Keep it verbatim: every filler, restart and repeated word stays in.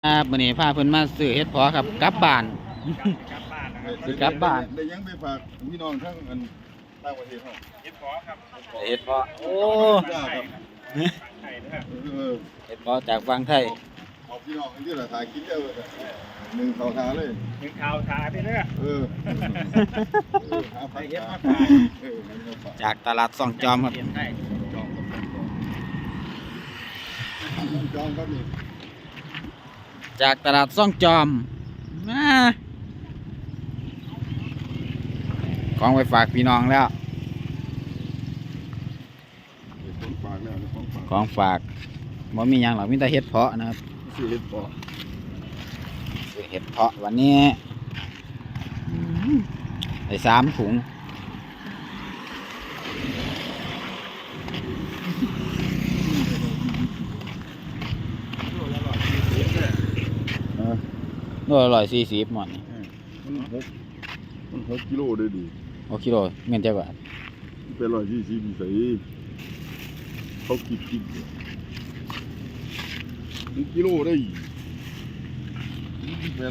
ครับวันนี้พาเพิ่นมาซื้อเฮ็ดเพาะครับกลับบ้านกลับบ้านนะครับสิกลับบ้านได้ยังไปฝากพี่น้องทั้งอันต่างประเทศเขาเฮ็ดพอครับเฮ็ดเพาะโอ้จ้าครับไข่นะครับเออเฮ็ดเพาะจากฝั่งไทยเอาพี่น้องที่ละทายกินเดียวเลยหนึ่งเขาทาเลยถึงข่าวทาไปเรื่อยเออหาพักทาเออให้มาฝากจากตลาดซ่องจอมครับเปลี่ยนให้จองครับจองครับนี่จากตลาดซ่องจอมมาของไปฝากพี่น้องแล้วของฝากแล้วของฝากของฝากบ่มีหยังหรอกมีแต่เฮ็ดเพาะนะครับซื้อเห็ดปอซื้อเฮ็ดเพาะวันนี้อืมได้สามถุงเออโลละร้อยสี่สิบหมดนี่มันหกมันหกกิโลได้ดีโอกิโลเงินจักบาทเป็นร้อยยี่สิบใส่เขาคิดกินกิโลได้